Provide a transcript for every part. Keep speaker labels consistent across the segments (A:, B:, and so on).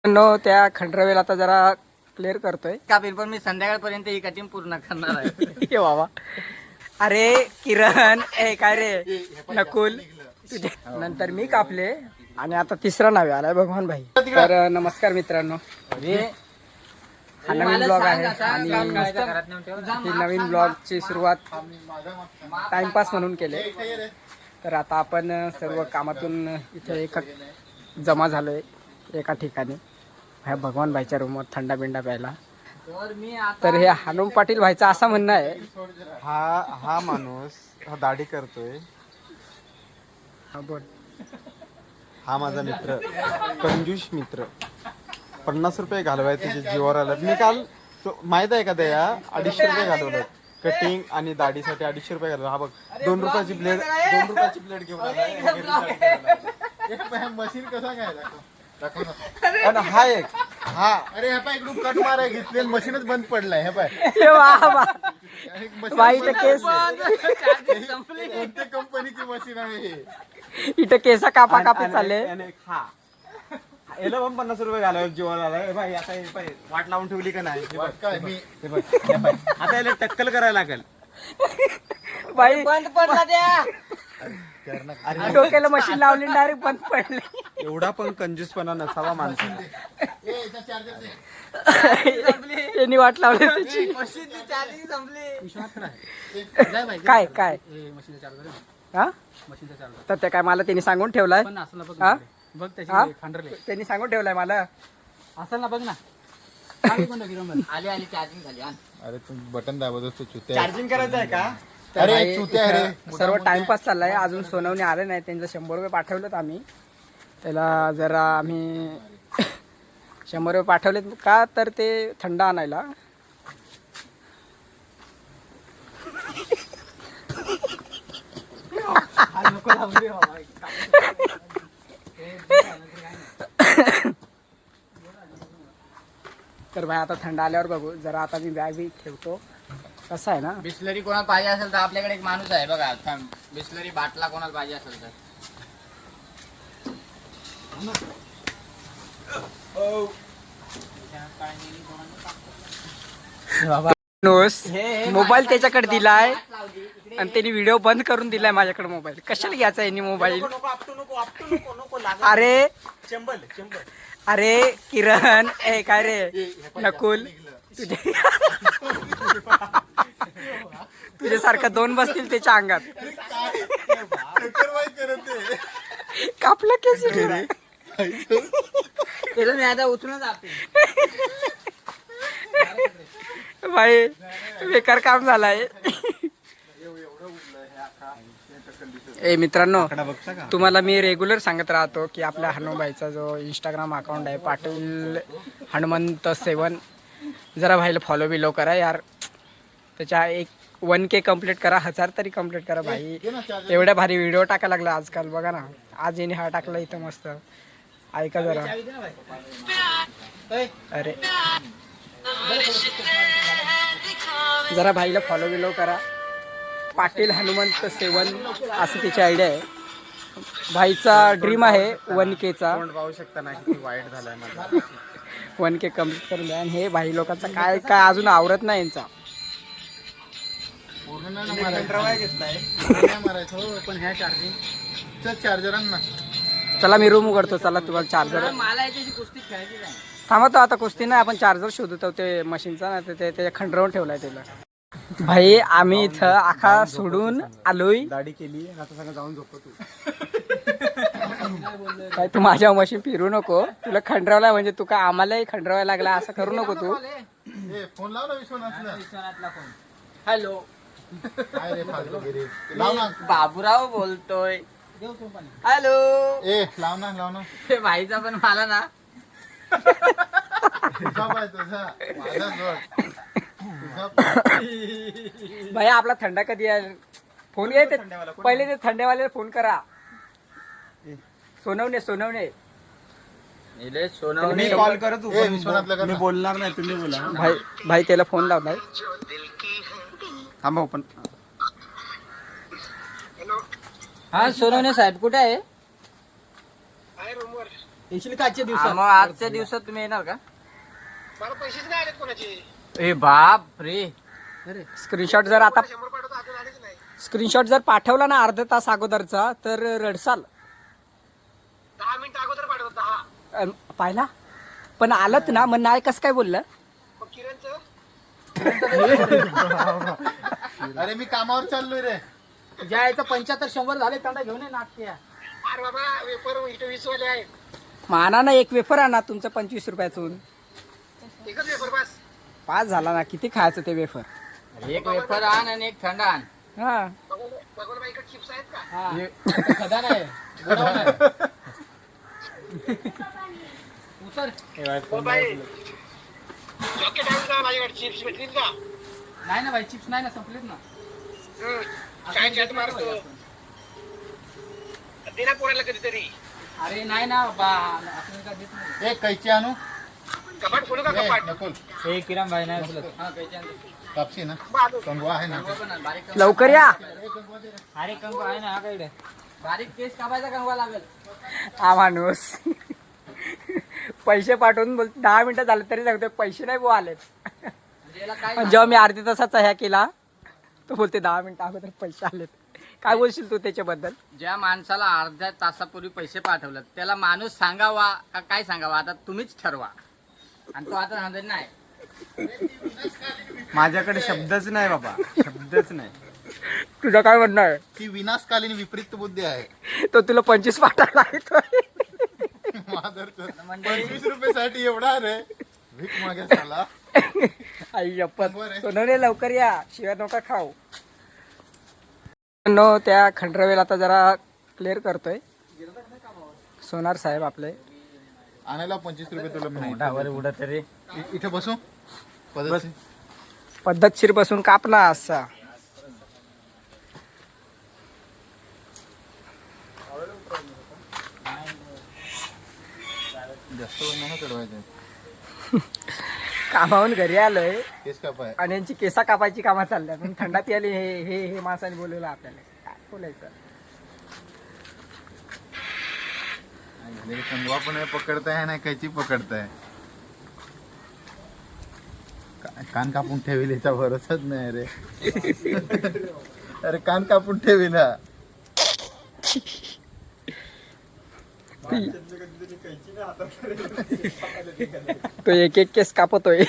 A: त्या खंडरवेल आता जरा क्लिअर करतोय
B: कापील, पण मी संध्याकाळपर्यंत ही कटिंग पूर्ण करणार आहे.
A: ये बाबा. अरे किरण काय रे नकुल तुझे नंतर मी कापले आणि आता तिसरा नावे आलाय भगवान भाई. तर नमस्कार मित्रांनो, हा नवीन ब्लॉग आहे आणि ही नवीन ब्लॉगची सुरुवात टाइमपास म्हणून केले. तर आता आपण सर्व कामातून इथे एक जमा झालोय एका ठिकाणी ह्या भगवान भाईच्या रूमवर थंडा बिंडा प्यायला. तर हे हनुम पाटील भाईचं असं म्हणणं आहे,
C: हा माणूस हा दाढी करतोय.
A: हा बोल.
C: हा माझा मित्र, कंजूस मित्र. 50 रुपये घालवाय तुझ्या जीवावर आलं. मी काल माहित आहे का दया 250 रुपये घालवलं कटिंग आणि दाढीसाठी. 250 रुपये घालवलं. हा बघ 2 रुपयाची ब्लेड घेऊन आला. मशीन कसा काय आणि हा एक हा अरे ह्या पाय इकडून कट माराय घेतले मशीनच बंद पडलाय. ह्या पाय
A: भाई इथं केस
C: कोणत्या कंपनीची मशीन आहे?
A: इथं केसा कापा कापी चालले.
C: हा याला पण 50 रुपये घालावे जीवाला आलाय. भाई आता वाट लावून ठेवली का नाही? हे बघ आता याला टक्कल करायला लागेल.
A: भाई
B: बंद पडला द्या.
A: डोक्याला मशीन लावली डायरेक्ट बंद पडले.
C: एवढा पण कंजूसपणा नसावा माणसाला.
A: त्यांनी वाट लावली त्याची.
B: मशीनची चार्जिंग संपली.
A: काय काय हा तर ते काय मला त्यांनी सांगून ठेवलाय. हा
B: बघ
A: त्यांनी सांगून ठेवलाय मला.
B: असेल ना, बघ ना. आली चार्जिंग झाली.
C: अरे तू बटन दाबत असतो चुत्या.
B: चार्जिंग करायचं आहे का?
A: अरे सर्व टाइमपास चाललाय. अजून सोनवणे आले नाही. त्यांचं 100 रुपये पाठवलेत आम्ही त्याला. जरा आम्ही 100 रुपये पाठवलेत का तर ते थंड आणायला. तर भाई आता थंड आल्यावर बघू. जरा आता मी बॅग बी ठेवतो. कसं आहे ना,
B: बिस्लरी कोणाला पाहिजे असेल तर आपल्याकडे एक माणूस आहे बघा. बिस्लरी बाटला कोणाला पाहिजे असेल तर.
A: मोबाईल त्याच्याकडे दिलाय आणि त्यांनी व्हिडिओ बंद करून दिलाय माझ्याकडे. मोबाईल कशाला घ्यायचा यांनी मोबाईल? अरे किरण काय रे नकुल तुझ्यासारखं 2 बसतील त्याच्या अंगात. कापलं केस
B: त्याला मी आता उचलून जाते.
A: भाई बेकार काम झालाय. ए मित्रांनो, तुम्हाला मी रेग्युलर सांगत राहतो की आपल्या हनुमाईचा जो इंस्टाग्राम अकाउंट आहे पाटील हनुमंत 7, जरा भाईला फॉलो बिलो करा यार. त्याच्या 1K कंप्लीट करा. 1000 तरी कंप्लीट करा भाई. एवढ्या भारी व्हिडिओ टाकायला लागला आजकाल. बघा ना, आज याने हा टाकला इथं मस्त. ऐका जरा. अरे जरा भाईला फॉलो बिलो करा. पाटील हनुमंत 7 असं त्याची आयडिया आहे. भाईचा ड्रीम आहे 1Kचा.
C: पाहू शकता ना किती वाईट झालाय मला.
A: 1K कंप्लीट करून द्या. आणि हे भाई लोकांचा काय काय अजून आवरत नाही यांचा.
B: पण ह्या चार्जिंग
C: चार्जरांना
A: चला मी रूम उघडतो. चला तुम्हाला चार्जर.
B: मला याच्याशी कुस्ती खेळायची नाही.
A: थांबा तो आता कुस्ती नाही. आपण चार्जर शोधतो ते मशीनचा ना. ते त्याच्या खंडरावून ठेवलाय त्याला. भाई आम्ही इथं आखा सोडून आलोय.
C: दाढी केली आता सगळं जाऊन झोपतो तू.
A: काय तू माझ्या मशीन फिरू नको. तुला खंडरावला म्हणजे तू काय आम्हालाही खंडरावायला लागला असं करू नको तू.
C: फोन लाव ना विश्वनाथला.
B: हॅलो,
C: लाव ना.
B: बाबूराव बोलतोय. हॅलो.
C: लाव ना.
B: ते भाईचा पण मला ना.
A: भाई आपला थंडा कधी आहे? फोन घे. पहिले ते थंडेवाल्याला फोन करा. सोनवणे
C: मी कॉल करत मी बोलणार नाही. तुम्ही बोला.
A: भाई त्याला फोन लावलाय. थांबा पण.
B: हा सोनवणे साहेब कुठे आहे? मग आजच्या दिवसात तुम्ही येणार का?
D: मला पैसेच नाही आलेत कोणाचे.
B: ए बाप रे.
A: स्क्रीनशॉट जर आता
D: 100 पाठवतो अजून आलेच नाही.
A: स्क्रीनशॉट जर पाठवला ना अर्धा तास अगोदरचा तर रडसाल.
D: 10 मिनिटं अगोदर पाठवतो 10.
A: पाहिला पण आलत ना मग नाही कसं काय बोललं.
D: मग किरणचं
C: अरे मी कामावर चाललोय रे.
B: ज्याचं 75-100 झाले त्यांना घेऊन ये नाटके.
D: अरे बाबा वेपर इथे 20 वाले आहेत.
A: माना ना एक वेफर आणा तुमचं 25 रुपयातून.
D: एकच वेपर बस.
A: 5 झाला ना किती खायचं ते वेफर.
B: एक वेफर आण आणि एक थंड आण.
A: हा
D: भगवान बाईकडे चिप्स आहेत का?
B: खदा नाही उतर.
D: हो बाई चॉकलेट आहे का माझ्याकडे? चिप्स भेटतील का?
B: नाही ना भाई चिप्स नाही ना संपलेत ना.
D: काय चॅट मारतो दे ना पोराला कधीतरी.
B: अरे नाही ना बा आपण का देत नाही.
C: एक कैची आणू.
D: कपाट खोलू का कपाट?
C: नकुल
B: हे किरण भाई नाही बोलत. हा कैची
C: कापशी ना
D: बाजू.
C: कंगवा आहे ना.
A: लवकर या.
B: अरे कंगवा आहे ना हा काय इकडे. बारीक केस कापायचा कंगवा लागेल.
A: हा माणूस पैसे पाठवून बोल 10 मिनिटं झाले तरी सांगतोय पैसे नाही बुवा आलेत.
B: म्हणजे याला काय
A: पण जेव्हा मी अर्ध्या तासाचा ह्या केला तो बोलते 10 मिनिटं अगोदर पैसे आलेत. काय बोलशील तू त्याच्याबद्दल?
B: ज्या माणसाला अर्ध्या तासापूर्वी पैसे पाठवलं त्याला माणूस सांगावा का काय सांगावा आता तुम्हीच ठरवा. आणि तो आता सांगत नाही.
C: माझ्याकडे शब्दच नाही बाबा, शब्दच नाही.
A: तुझं काय म्हणणं आहे?
C: ती विनाशकालीन विपरीत बुद्धी आहे.
A: तो तुला 25 पाठवला आहे तो.
C: 25 रुपयासाठी एवढा रे भीक मागायला.
A: आई शपथ सोनवणे लवकर या शिवाय नका खाऊ. नो त्या खंडरवेल आता जरा क्लिअर करतोय सोनार साहेब आपले.
C: आणायला 25 रुपये तुला मी
B: उडा तरी
C: इथे बसू
A: पद्धतशीर बसून कापला असा.
C: जास्त नाही चढवायचं.
A: कामावून घरी आलोय
C: केस कापाय.
A: आणि यांची केसा कापायची कामं चालल्या पण थंडात आली. हे हे हे माणसाने बोलवलं आपल्याला काय बोलायचं.
C: कंगवा पण पकडताय ना कैची पकडताय. कान कापून ठेवील याचा भरोसाच नाही रे. अरे कान कापून ठेवीला.
A: तो एक एक केस कापतोय.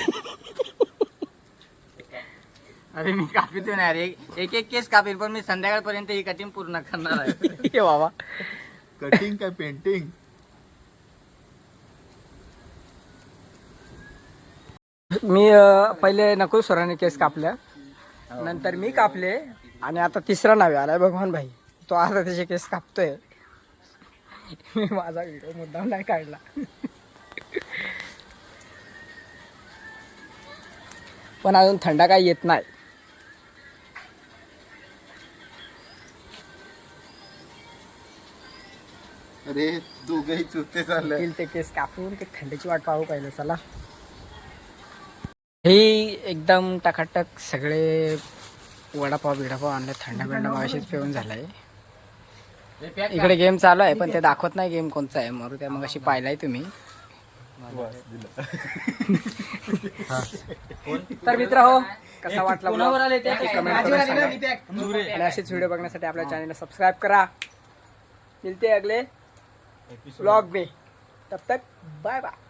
B: अरे मी कापितो नाही रे. एक एक केस कापेल पण मी संध्याकाळपर्यंत ही कटिंग पूर्ण करणार आहे.
A: हे बाबा
C: कटिंग काय पेंटिंग.
A: मी पहिले नकुल सरांनी केस कापल्या नंतर मी कापले आणि आता तिसरा नावे आलाय भगवान भाई. तो आता त्याचे केस कापतोय. मी माझा व्हिडिओ मुद्दाम नाही काढला. पण अजून थंडा काही येत नाही.
C: अरे दोघही चुते चालले.
A: ते केस कापून ते थंडीची वाट पाहू पाहिलं. चला हे एकदम टकाटक सगळे वडापाव बिडापाव आणले. थंडा बिंडा मागाशीच पिऊन झालाय. इकडे गेम चालू आहे पण ते दाखवत नाही गेम कोणचा आहे. मरू त्या मग अशी पाहिलाय तुम्ही. तर मित्र हो कसा वाटला आणि असेच व्हिडिओ बघण्यासाठी आपल्या चॅनलला सबस्क्राईब करा. मिलते अगले व्लॉग में. तब तक बाय बाय.